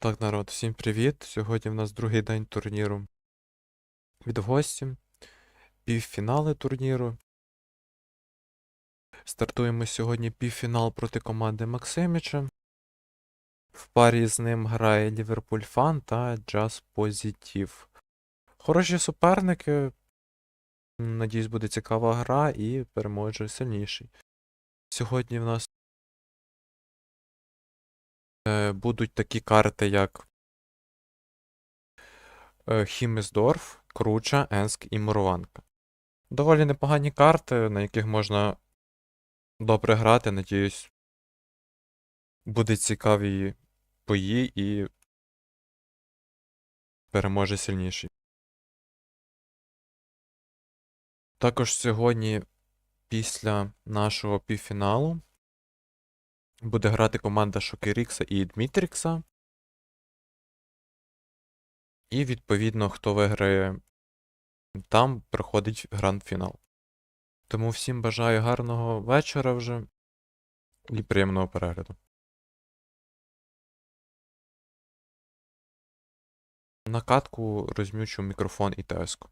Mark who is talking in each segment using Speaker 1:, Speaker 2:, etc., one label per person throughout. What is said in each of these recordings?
Speaker 1: Так, народ, всім привіт! Сьогодні в нас другий день турніру від гості. Півфінали турніру. Стартуємо сьогодні півфінал проти команди Максиміча. В парі з ним грає Ліверпуль Фан та Джаз Позитив. Хороші суперники. Надіюсь, буде цікава гра і переможе сильніший. Сьогодні в нас будуть такі карти, як Хіммесдорф, Круча, Енск і Мурованка. Доволі непогані карти, на яких можна добре грати. Надіюсь, будуть цікаві бої і переможе сильніший. Також сьогодні, після нашого півфіналу, буде грати команда Шокерікса і Дмітрікса. І, відповідно, хто виграє там, проходить гранд-фінал. Тому всім бажаю гарного вечора вже і приємного перегляду. На катку розм'ючу мікрофон і теску.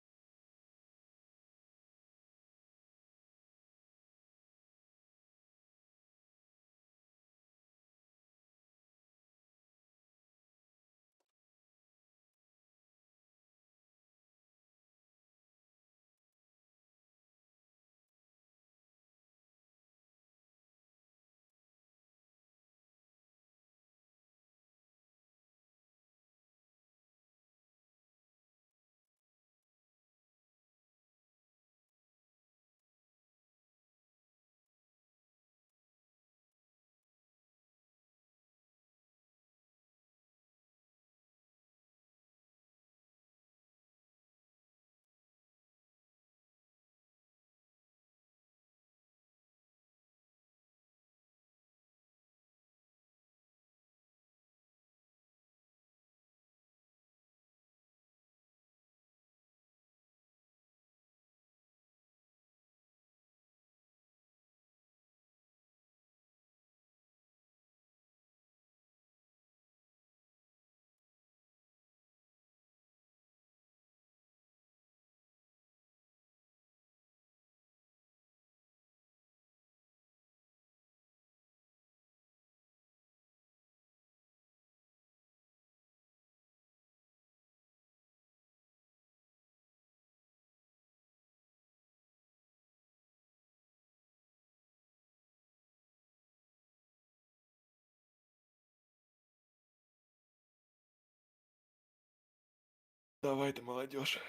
Speaker 1: Давайте, молодежь.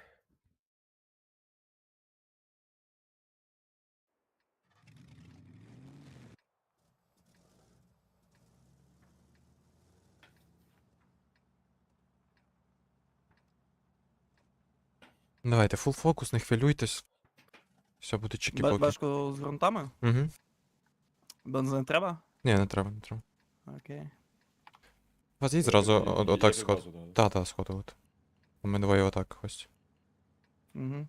Speaker 1: Давайте, фул фокус, не хвилюйтесь. Все буде чики-поки.
Speaker 2: Бешку з ґрунтами?
Speaker 1: Угу.
Speaker 2: Бензин треба?
Speaker 1: Ні, не треба, не треба.
Speaker 2: Окей.
Speaker 1: У вас є зразу отак сход?
Speaker 3: Да.
Speaker 1: Та, сходу от. Ми двоє отак ось.
Speaker 2: Угу.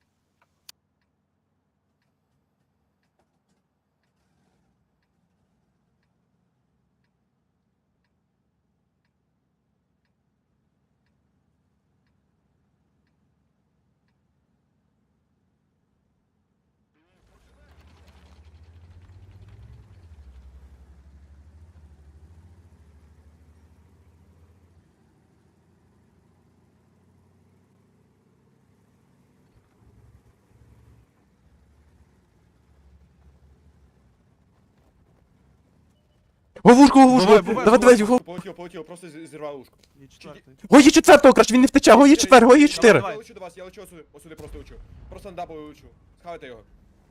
Speaker 1: Говушку, говушку!
Speaker 2: Бувай,
Speaker 1: Давай, го!
Speaker 3: Полетіло, просто зірвав ушко.
Speaker 2: І четвертий.
Speaker 1: Гої четвертого, краще, він не втече, гої четвер, гої чотири!
Speaker 2: Давай.
Speaker 3: Я лечу до вас, я лечу осюди просто лечу. Просто на дабл лечу. Схавайте його.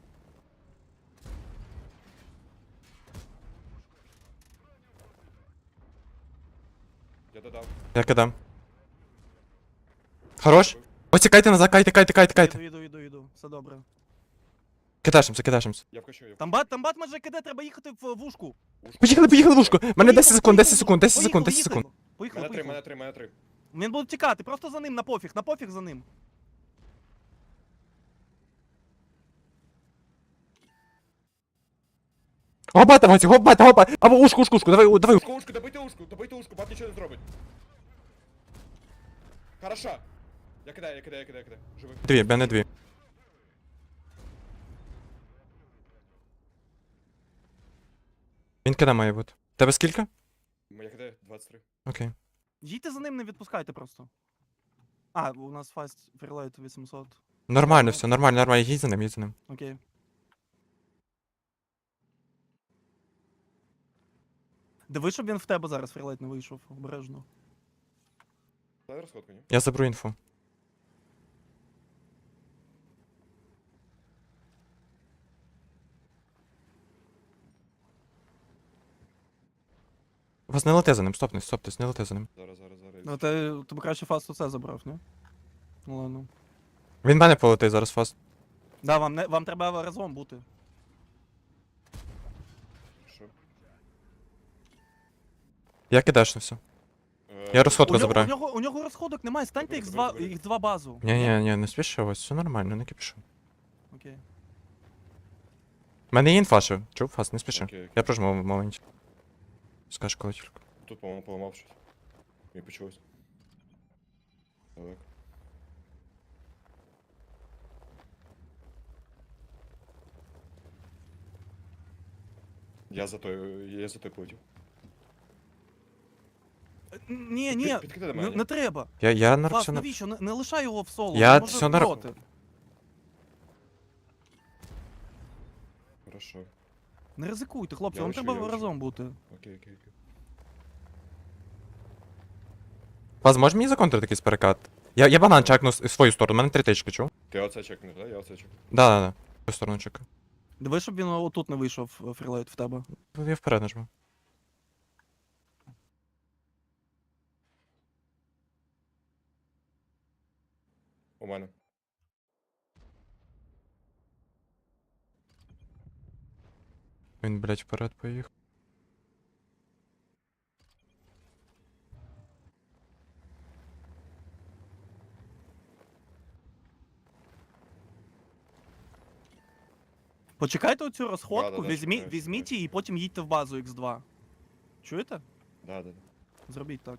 Speaker 3: Я додав.
Speaker 1: Я кидам. Хорош? Ось тікайте назад, кайте.
Speaker 2: Іду. Все добре.
Speaker 1: Кидашимся.
Speaker 3: Я вкачу, я
Speaker 2: Там бат може киде, треба їхати в вушку.
Speaker 3: вкачу.
Speaker 1: Поїхали, вушку! Мене 10 секунд.
Speaker 2: Поїхали.
Speaker 3: Мене три.
Speaker 2: Він буде тікати, просто за ним, на пофіг за ним.
Speaker 1: Гопайте, Вася, гопайте. Або ушку, давай.
Speaker 3: Ушку, добийте ушку, бат нічого не зробить. Хорошо. Я кидаю. Живий.
Speaker 1: Дві, мене дві. Він кида має бути. Тебе скільки?
Speaker 3: Я кидаю 23.
Speaker 1: Окей.
Speaker 2: Їдьте за ним, не відпускайте просто. А, у нас фаст фрілайт 800.
Speaker 1: Нормально все, нормально. Їдь за ним.
Speaker 2: Окей. Диви, щоб він в тебе зараз фрілайт не вийшов, обережно.
Speaker 3: Дай розходку, ні?
Speaker 1: Я заберу інфу. Вас не лети за ним, стоптесь, не лети за ним.
Speaker 3: Зараз.
Speaker 2: Ну ти б краще фаст оце забрав, ні? Ну ладно.
Speaker 1: Він мене полетить зараз фаст.
Speaker 2: Да, вам треба разом бути.
Speaker 3: Що?
Speaker 1: Я кидашнився. Я розходку забираю.
Speaker 2: У нього розходок немає, станьте
Speaker 3: Добре.
Speaker 2: їх два базу.
Speaker 1: Ні, не спіши, ось, все нормально, не кипішу.
Speaker 2: Окей.
Speaker 1: У мене є інфа ще. Чув, фаст, не спіши.
Speaker 3: Окей.
Speaker 1: Я прожму в моменті. Скажеш, коли тільки.
Speaker 3: Тут, по-моєму, поламав щось. Мені почулось. Так. Я за той полетів.
Speaker 2: Ні,
Speaker 3: Підкидай до мене.
Speaker 2: не треба.
Speaker 1: Я на
Speaker 2: Фаст,
Speaker 1: все на...
Speaker 2: навіщо? Не лишай його в соло.
Speaker 1: Я
Speaker 2: він може
Speaker 1: всьо нар-
Speaker 2: проти.
Speaker 3: Хорошо.
Speaker 2: Не ризикуйте, хлопці,
Speaker 3: Я
Speaker 2: вам
Speaker 3: лишу,
Speaker 2: треба
Speaker 3: я лишу.
Speaker 2: разом бути.
Speaker 3: Окей.
Speaker 1: Фаст, можеш мені законтрити якийсь перекат? Я банан чекну в свою сторону, у мене 3 тички, чув?
Speaker 3: Ти оце чекнеш, да? Я оце чекну.
Speaker 1: Да. В свою сторону чекаю.
Speaker 2: Диви, щоб він отут не вийшов фрілайт в тебе.
Speaker 1: Я вперед нажму.
Speaker 3: У мене.
Speaker 1: Він, блядь, вперед поїхав.
Speaker 2: Почекайте оцю розходку,
Speaker 3: Да-да-да, чекаю,
Speaker 2: візьміть
Speaker 3: чекаю.
Speaker 2: її і потім їдьте в базу X2. Чуєте?
Speaker 3: Да.
Speaker 2: Зробіть так.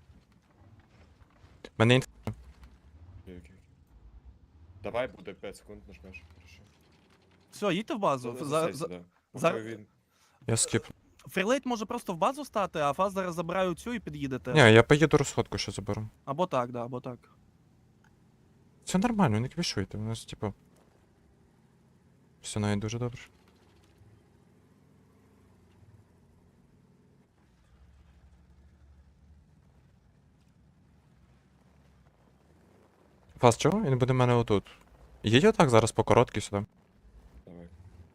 Speaker 1: У мене інфа.
Speaker 3: Окей. Давай буде 5 секунд нажмеш. Хорошо.
Speaker 2: Все, їдьте в базу.
Speaker 3: Засейся, да.
Speaker 2: зараз-
Speaker 3: Поки він-
Speaker 1: Я скіп.
Speaker 2: Фрілейт може просто в базу стати, а фаз зараз забирає цю і під'їдете.
Speaker 1: Ні, я поїду розходку ще заберу.
Speaker 2: Або так, да, або так.
Speaker 1: Все нормально, не квішуйте, у нас, типу. Все навіть дуже добре. Фаст, чого? Він буде в мене отут. Їдь отак зараз по короткій сюди.
Speaker 3: Давай.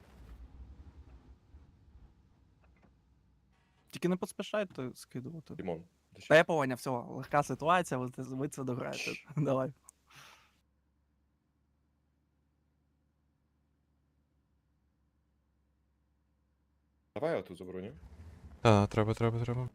Speaker 2: Тільки не поспішайте скидувати.
Speaker 3: Дімон. ти
Speaker 2: Та
Speaker 3: що?
Speaker 2: я поняв, все, легка ситуація, ви це дограєте. Давай.
Speaker 3: Давай я отут заброню.
Speaker 1: Так, треба.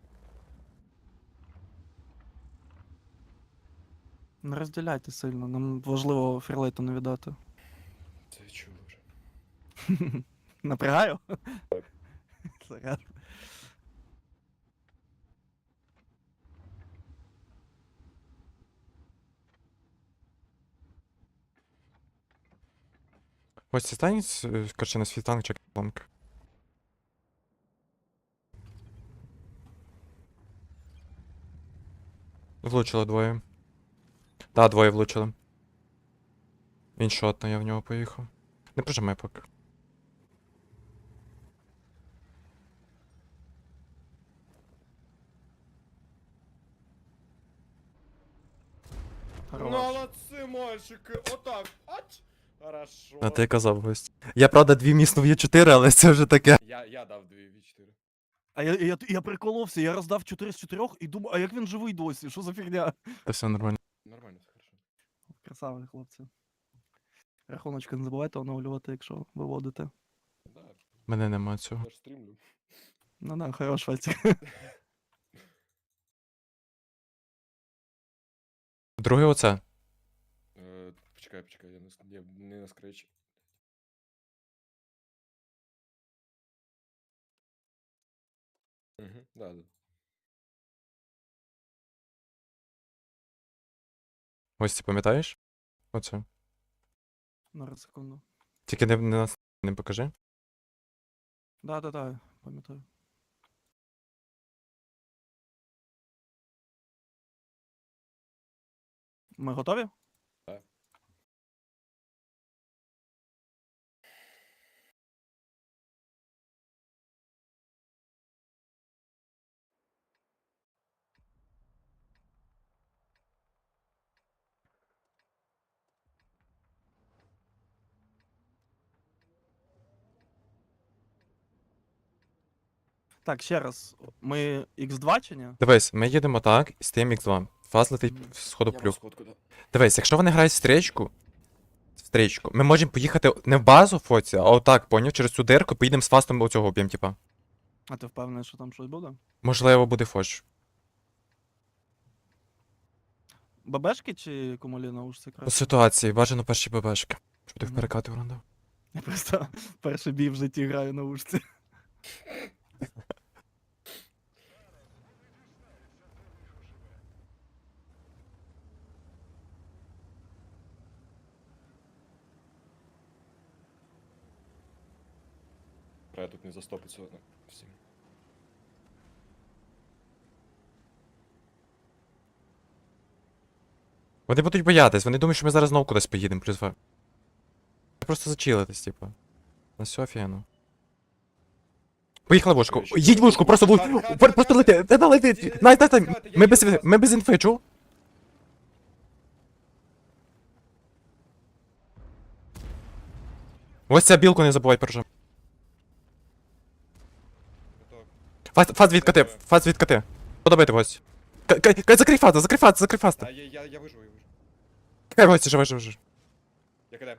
Speaker 2: Не розділяйте сильно, нам важливо фрілейту не віддати.
Speaker 3: Це чув вже.
Speaker 2: Напрягаю? Зараз.
Speaker 1: Ось це стань, короче, на світанк чек ломки. Влучило двоє. Да, двоє влучили. Він шотно, я в нього поїхав. Не прижимай поки.
Speaker 2: Хорош.
Speaker 3: Молодці, мальчики. Отак. Ать. Хорошо.
Speaker 1: А ти казав гость. Я правда дві міснув є 4, але це вже таке.
Speaker 3: Я дав 2 v4.
Speaker 2: А я приколовся, я роздав 4 з 4 і думаю, а як він живий досі? Що за фігня?
Speaker 1: Та все нормально.
Speaker 3: Нормально, все хорошо.
Speaker 2: Красаві, хлопці. Рахуночки не забувайте оновлювати, якщо виводите.
Speaker 3: Да,
Speaker 1: Мене нема цього.
Speaker 3: я ж стрімлю.
Speaker 2: Ну да, хорош, Вальцик.
Speaker 1: Друге оце.
Speaker 3: Почекай, я не на скретчі. Угу, да, да.
Speaker 1: Ось ти пам'ятаєш? Оце.
Speaker 2: На секунду.
Speaker 1: Тільки не нас не покажи.
Speaker 2: Да, пам'ятаю. Ми готові?
Speaker 3: Так.
Speaker 2: Так, ще раз. Ми X2 чи ні?
Speaker 1: Дивись, ми їдемо так, і стоїмо X2. Фаз летить
Speaker 2: Мгм.
Speaker 1: в сходу
Speaker 3: Я
Speaker 1: плюх.
Speaker 3: сходку, да.
Speaker 1: Дивись, якщо вони грають в стрічку, ми можемо поїхати не в базу Фоці, а отак, поняв, через цю дирку, поїдемо з фастом оцього об'єм, типа.
Speaker 2: А ти впевнений, що там щось буде?
Speaker 1: Можливо, буде фоч.
Speaker 2: ББшки чи кумулі наушці
Speaker 1: По
Speaker 2: краще?
Speaker 1: ситуації, бажано перші ББшки. Щоб ти в
Speaker 2: Мгм.
Speaker 1: перекати врандав.
Speaker 2: Я просто перший бій в житті граю на ушці.
Speaker 3: Треба тут не застопиться одно. Всім.
Speaker 1: Вони будуть боятись, вони думають, що ми зараз знову кудись поїдемо, плюс два. Просто зачилитись, типа. На все офігенно. Поїхали вушку.
Speaker 3: Короче,
Speaker 1: Їдь вушку, просто
Speaker 3: хат,
Speaker 1: вушку.
Speaker 3: хат,
Speaker 1: Просто
Speaker 3: хат,
Speaker 1: лети. Та лети. Най.
Speaker 3: Я
Speaker 1: Ми без
Speaker 3: їду,
Speaker 1: ми без інфи, чув? Ось ця білку не забувай прожим.
Speaker 3: Готов.
Speaker 1: Фаз відкати, фаз відкати. Подобайте гості. Закрий фазу, закрий фаз.
Speaker 3: А, я виживу, я виживу.
Speaker 1: Кай гості, живе.
Speaker 3: Я кидаю.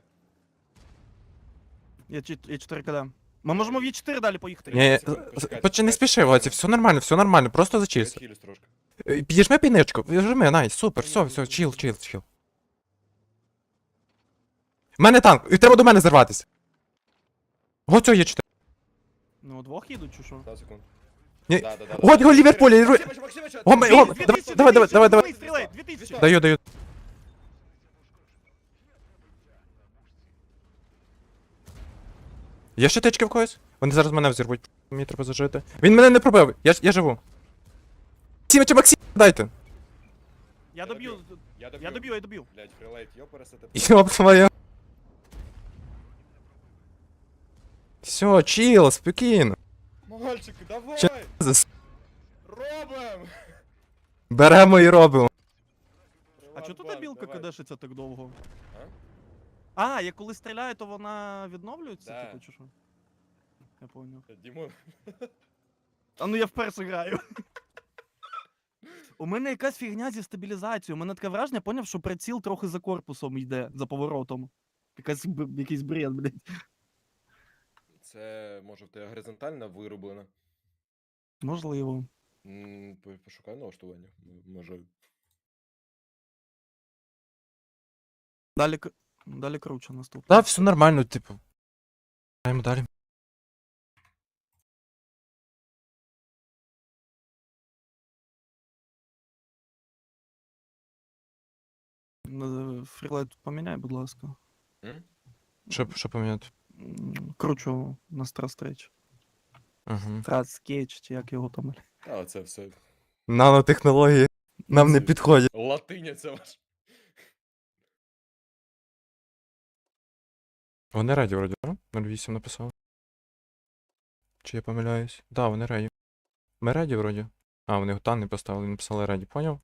Speaker 2: Я 4 кд. Ми можемо в Е4 далі поїхати.
Speaker 1: Ні,
Speaker 3: Почекайте,
Speaker 1: не спіши, Гоці, все нормально, просто
Speaker 3: Я
Speaker 1: зачилься.
Speaker 3: відхилюсь трошки.
Speaker 1: Підіжми піничку, вжми, найс, супер, все, чил. У мене танк, і треба до мене зірватися. Гоцьо є 4.
Speaker 2: Ну, двох їдуть чи що?
Speaker 3: 2 секунд.
Speaker 1: Ні.
Speaker 3: Да.
Speaker 1: Го, Ліверпуль,
Speaker 3: Максимович,
Speaker 1: давай.
Speaker 2: Стріляй, 2000.
Speaker 1: Даю. Є ще тички в когось? Вони зараз мене взірвуть. Мені треба зажити. Він мене не пробив, я живу. Максим, дайте.
Speaker 2: Я доб'ю. Я доб'ю.
Speaker 3: Блять, фрилейт, йопарасете.
Speaker 1: Йоп твоя. Все, чил, спокійно.
Speaker 3: Мальчик, давай! Робим!
Speaker 1: Беремо і робимо.
Speaker 2: А чого тут та білка
Speaker 3: Давай.
Speaker 2: кидешиться так довго?
Speaker 3: А?
Speaker 2: А, я коли стріляю, то вона відновлюється,
Speaker 3: Да.
Speaker 2: типу, чи що? Я поняв.
Speaker 3: Дімон,
Speaker 2: А ну я вперше граю. У мене якась фігня зі стабілізацією. У мене таке враження, поняв, що приціл трохи за корпусом йде, за поворотом. Якийсь бред, блядь.
Speaker 3: це може в тебе горизонтально вирублено.
Speaker 2: Можливо.
Speaker 3: Пошукай налаштування. Може.
Speaker 2: Далі круче наступне.
Speaker 1: Та, все нормально, типу. Граємо далі.
Speaker 2: Фрілайт поміняй, будь ласка.
Speaker 1: Що поміняти?
Speaker 2: Кручу на страстрейч.
Speaker 1: Угу.
Speaker 2: Страскетч, чи як його там.
Speaker 3: А, це все.
Speaker 1: Нанотехнології нам не
Speaker 3: Це-
Speaker 1: підходять.
Speaker 3: Латиня це ваш.
Speaker 1: Вони раді вроді, да? 08 написав. Чи я помиляюсь? Да, вони раді. Ми раді вроді. А, вони гутан не поставили, написали раді, поняв?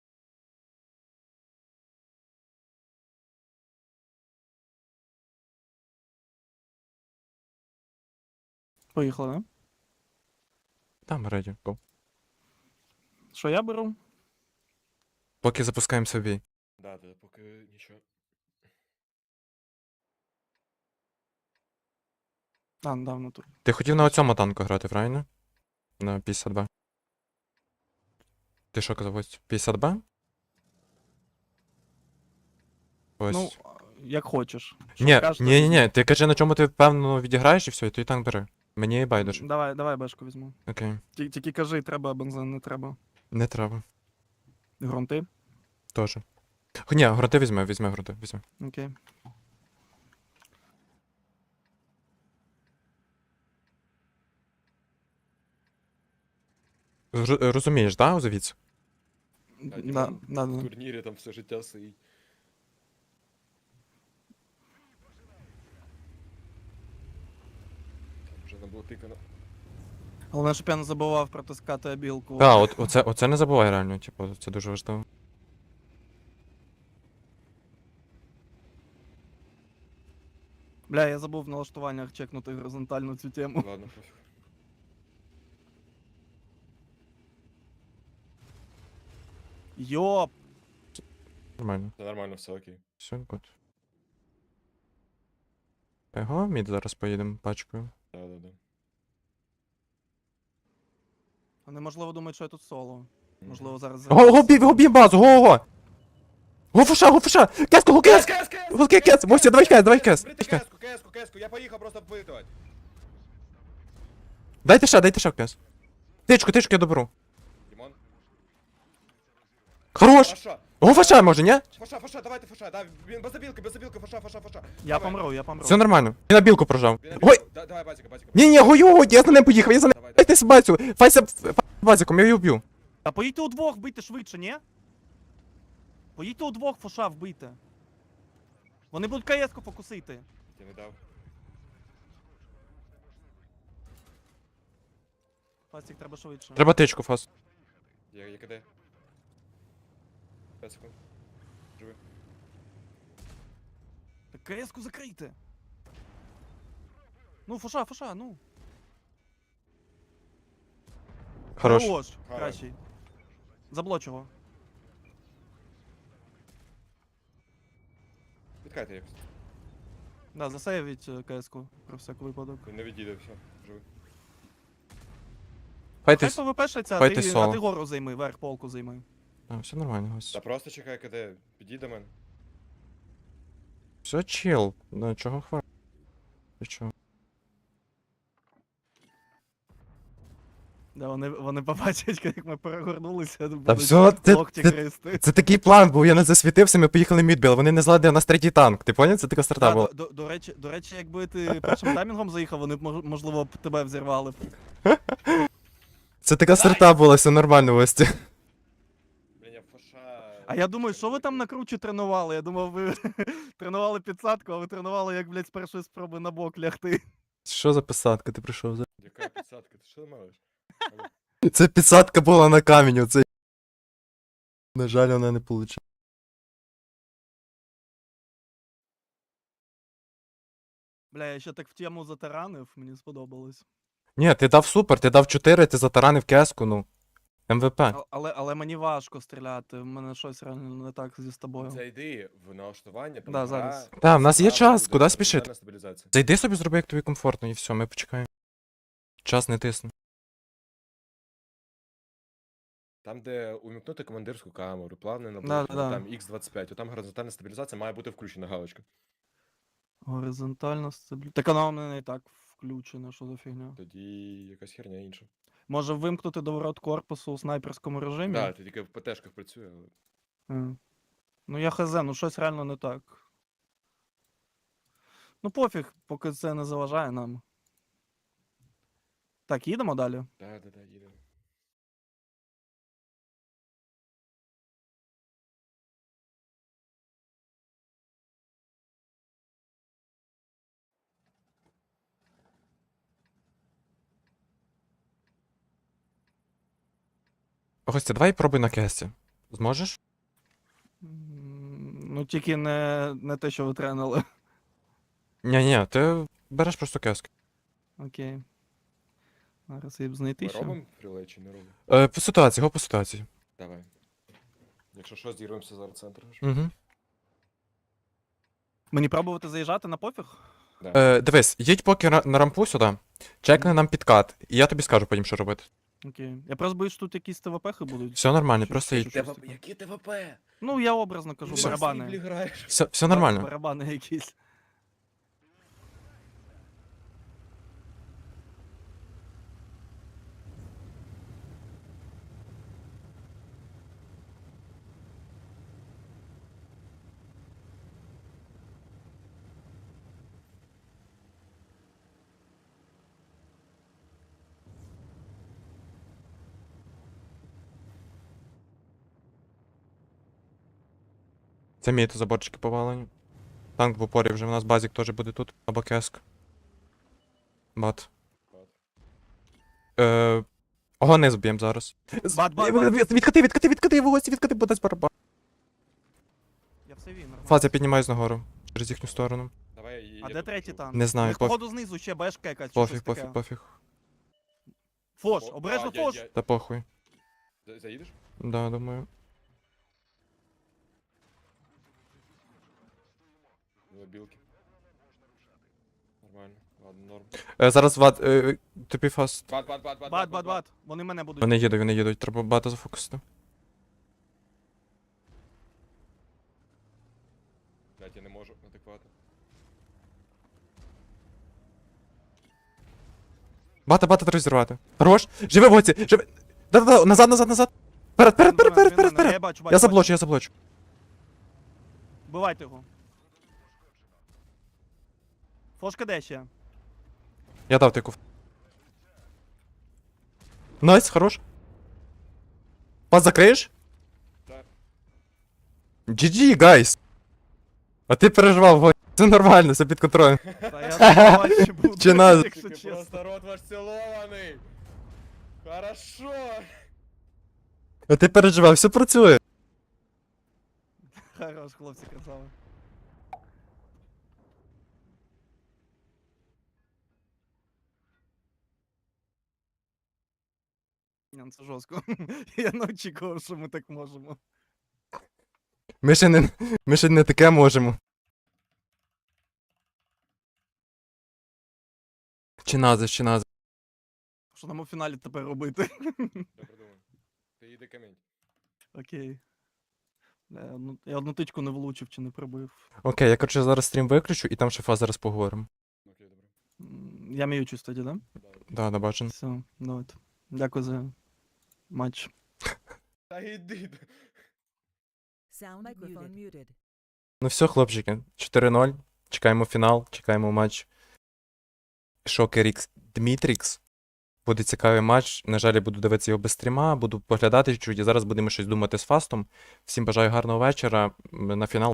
Speaker 2: Поїхали, да?
Speaker 1: Там раді. Go.
Speaker 2: Що я беру?
Speaker 1: Поки запускаємо собі.
Speaker 3: Да, поки нічого.
Speaker 2: А, давно тут.
Speaker 1: Ти хотів на оцьому танку грати, правильно? На 50Б. Ти що казав, ось 50Б? Ось.
Speaker 2: Ну, як хочеш. Що
Speaker 1: Ні,
Speaker 2: скажете,
Speaker 1: ні, ти кажи, на чому ти впевнено відіграєш і все, і той танк бери. Мені байдуже.
Speaker 2: Давай бешку візьму.
Speaker 1: Окей.
Speaker 2: Тільки кажи, треба бензин, не треба.
Speaker 1: Не треба.
Speaker 2: Грунти?
Speaker 1: Тоже. Ні, грунти візьме грунти, візьме.
Speaker 2: Окей.
Speaker 1: Розумієш, да, Озовіць?
Speaker 3: А,
Speaker 2: Да,
Speaker 3: Дімон
Speaker 2: да,
Speaker 3: в
Speaker 2: да.
Speaker 3: турнірі там все життя стоїть. Там вже не було тикано.
Speaker 2: Головне, щоб я не забував протискати обілку.
Speaker 1: Так, оце не забувай реально, типу, це дуже важливо.
Speaker 2: Бля, я забув в налаштуваннях чекнути горизонтально цю тему.
Speaker 3: Ладно, пофіг.
Speaker 2: Йоп!
Speaker 1: Нормально.
Speaker 3: Це нормально, все окей.
Speaker 1: Все, гуд. Його, мід зараз поїдемо пачкою.
Speaker 3: Да.
Speaker 2: Вони, можливо, думають, що я тут соло. Можливо, зараз...
Speaker 1: Го б'є базу, го! Го фуша! Кеску, го кес! Го кес! Мостя, давай кес!
Speaker 3: Кеску, я поїхав просто вбитувати.
Speaker 1: Дайте ще кес. Тичку, я доберу.
Speaker 3: Дімон.
Speaker 1: Хорош!
Speaker 3: Фаша.
Speaker 1: Го фаша може, ні?
Speaker 3: Фаша, давайте фаша, да, він без забілки, фаша.
Speaker 2: Я
Speaker 3: Давай.
Speaker 2: помру.
Speaker 1: Все нормально. Він на білку прожав.
Speaker 3: Він на
Speaker 1: Ой!
Speaker 3: білку. Давай, базіка.
Speaker 1: Ні, гою, я за ним поїхав, я за ним.
Speaker 3: Давай.
Speaker 1: Дайте базю, файся базиком, я її вб'ю.
Speaker 2: А поїдьте удвох, вбийте швидше, ні? Поїдьте удвох, фоша вбийте. Вони будуть КС-ку фокусити.
Speaker 3: Я не дав.
Speaker 2: Фастик, треба швидше.
Speaker 1: Треба тичку, фас.
Speaker 3: Я КД. 5 секунд. Живи.
Speaker 2: Так КС-ку закрийте. Ну, фоша, ну.
Speaker 1: Хорош.
Speaker 2: Кращий. Заблоч його.
Speaker 3: Відкайте якось.
Speaker 2: Да, засейвіть КС-ку, про всяк випадок.
Speaker 3: Він не відійде, все. Живи.
Speaker 2: Хай
Speaker 1: Файтись.
Speaker 2: ПВПшиться,
Speaker 1: Файтись
Speaker 2: а
Speaker 1: соло.
Speaker 2: ти гору займи, верх полку займи.
Speaker 1: Все нормально, гось.
Speaker 3: Та просто чекай КД. Підійди до мене.
Speaker 1: Все чил. Ну чого хвалити? Ти чого?
Speaker 2: Да, вони побачать, як ми перегорнулися,
Speaker 1: Та
Speaker 2: будуть
Speaker 1: все,
Speaker 2: локті гристи.
Speaker 1: це такий план був, я не засвітився, ми поїхали мідбіл, вони не зладили у нас третій танк. Ти поняв? Це така старта була.
Speaker 2: До речі, якби ти першим таймінгом заїхав, вони б, можливо, б тебе взірвали.
Speaker 1: Це така старта була, все нормально, Ості.
Speaker 3: Блін, я фаша.
Speaker 2: А я думаю, що ви там на кручі тренували? Я думав, ви тренували підсадку, а ви тренували, як, блядь, з першої спроби на бок лягти.
Speaker 1: Що за підсадка ти прийшов?
Speaker 3: Яка підсадка? Ти що малиш?
Speaker 1: Це підсадка була на камінь, оце. На жаль, вона не вийшла.
Speaker 2: Бля, я ще так в тему затаранив, мені сподобалось.
Speaker 1: Ні, ти дав супер, ти дав 4, ти затаранив кеску, ну. МВП.
Speaker 2: Але мені важко стріляти, в мене щось реально не так зі тобою.
Speaker 3: Зайди в налаштування, там
Speaker 2: Да,
Speaker 3: гра,
Speaker 2: зараз.
Speaker 1: Та, в нас є
Speaker 3: зразу
Speaker 1: час,
Speaker 3: буде
Speaker 1: куди спішити?
Speaker 3: горизонтальна стабілізація.
Speaker 1: Зайди собі, зроби, як тобі комфортно, і все, ми почекаємо. Час не тисне.
Speaker 3: Там, де увімкнути командирську камеру, плавне
Speaker 2: Да,
Speaker 3: наближення,
Speaker 2: да.
Speaker 3: там X25, там горизонтальна стабілізація має бути включена галочка.
Speaker 2: Горизонтально стабілізація. Так вона у мене і так включена, що за фігня.
Speaker 3: Тоді якась херня інша.
Speaker 2: Може вимкнути доворот корпусу у снайперському режимі?
Speaker 3: Так, ти тільки в ПТшках працює, але.
Speaker 2: Ну я хз, ну щось реально не так. Ну пофіг, поки це не заважає нам. Так, їдемо далі.
Speaker 3: Да, їдемо.
Speaker 1: Гостя, давай пробуй на кесті. Зможеш?
Speaker 2: Ну тільки не те, що ви тренили.
Speaker 1: Ні, ти береш просто кеску.
Speaker 2: Окей. Зараз я б знайти
Speaker 3: Ми
Speaker 2: ще.
Speaker 3: робимо фрілей чи не робимо?
Speaker 1: По ситуації, го по ситуації.
Speaker 3: Давай. Якщо що, зірвемося зараз центр.
Speaker 1: Угу.
Speaker 2: Мені пробувати заїжджати на пофіг?
Speaker 1: Дивись, їдь поки на рампу сюди, чекни нам підкат, і я тобі скажу потім, що робити.
Speaker 2: Окей. Я просто боюсь, що тут якісь ТВПхи будуть.
Speaker 1: Все нормально,
Speaker 2: Чи-
Speaker 1: просто
Speaker 2: чи
Speaker 1: їдь.
Speaker 2: щось таке.
Speaker 3: Які ТВП?
Speaker 2: Ну, я образно кажу,
Speaker 3: Ти
Speaker 2: барабани.
Speaker 3: в Сріблі граєш?
Speaker 1: Все нормально.
Speaker 2: Барабани якісь.
Speaker 1: Це мій, то заборчики повалені. Танк в упорі вже, у нас базік теж буде тут, або кеск. Бат.
Speaker 3: Бат.
Speaker 1: Огони зб'єм зараз.
Speaker 2: Бат, бат.
Speaker 1: Відкати, в гості, відкати, бо дасть барабан.
Speaker 2: Я все вів, нормально.
Speaker 1: Фаз, я піднімаюсь нагору. Через їхню сторону.
Speaker 3: Давай, я
Speaker 2: А де
Speaker 3: тут
Speaker 2: третій
Speaker 3: біжу.
Speaker 2: танк?
Speaker 1: Не знаю,
Speaker 2: У них, походу, знизу ще бешка якась, чи
Speaker 1: Пофіг,
Speaker 2: щось
Speaker 1: пофіг,
Speaker 2: таке.
Speaker 1: пофіг.
Speaker 2: Фош,
Speaker 3: О,
Speaker 2: обережно
Speaker 3: а,
Speaker 2: фош!
Speaker 1: Та похуй.
Speaker 3: Заїдеш?
Speaker 1: Да, думаю.
Speaker 3: Две білки. Нормально. Ладно, норм.
Speaker 1: Зараз ват, тобі фаст.
Speaker 3: Бат.
Speaker 2: Вони мене будуть.
Speaker 1: Вони їдуть, треба бата зафокусити.
Speaker 3: Блять, я не можу адекватно.
Speaker 1: Бата треба зірвати. Хорош! Живи в гоці! Живи! Да-да-да, назад! Вперед!
Speaker 2: Я бачу.
Speaker 1: Я заблочу.
Speaker 2: Вбивайте його. Фошка де ще?
Speaker 1: Я дав тику. Найс, хорош. Пас закриєш?
Speaker 3: Так.
Speaker 1: GG, гайс! А ти переживав, го. Це нормально, все під контролем.
Speaker 2: Та я сподіваюся, буду,
Speaker 1: Чи нас-
Speaker 2: якщо
Speaker 3: Ти
Speaker 2: чесно.
Speaker 3: просто рот ваш цілований. Хорошо.
Speaker 1: А ти переживав, все працює.
Speaker 2: Хорош, хлопці, красава. Ні, ну це жорстко. Я не очікував, що ми так можемо.
Speaker 1: Ми ще не таке можемо. Чи назис.
Speaker 2: Що нам у фіналі тепер робити?
Speaker 3: Добре думаю. Ти їди камінь.
Speaker 2: Окей. Я одну тичку не влучив чи не пробив.
Speaker 1: Окей, я коротше зараз стрім виключу і там ще фаз зараз поговоримо.
Speaker 3: Окей, добре.
Speaker 2: Я м'ючусь тоді, да?
Speaker 3: Да.
Speaker 1: Да, бачу.
Speaker 2: Все, давайте. Дякую за матч.
Speaker 3: Та йди.
Speaker 4: Sound microphone muted.
Speaker 1: Ну все, хлопчики, 4-0. Чекаємо фінал, чекаємо матч. Шокер Ікс Дмітрікс. Буде цікавий матч. На жаль, я буду дивитися його без стріма, буду поглядати чуть і зараз будемо щось думати з фастом. Всім бажаю гарного вечора. На фінал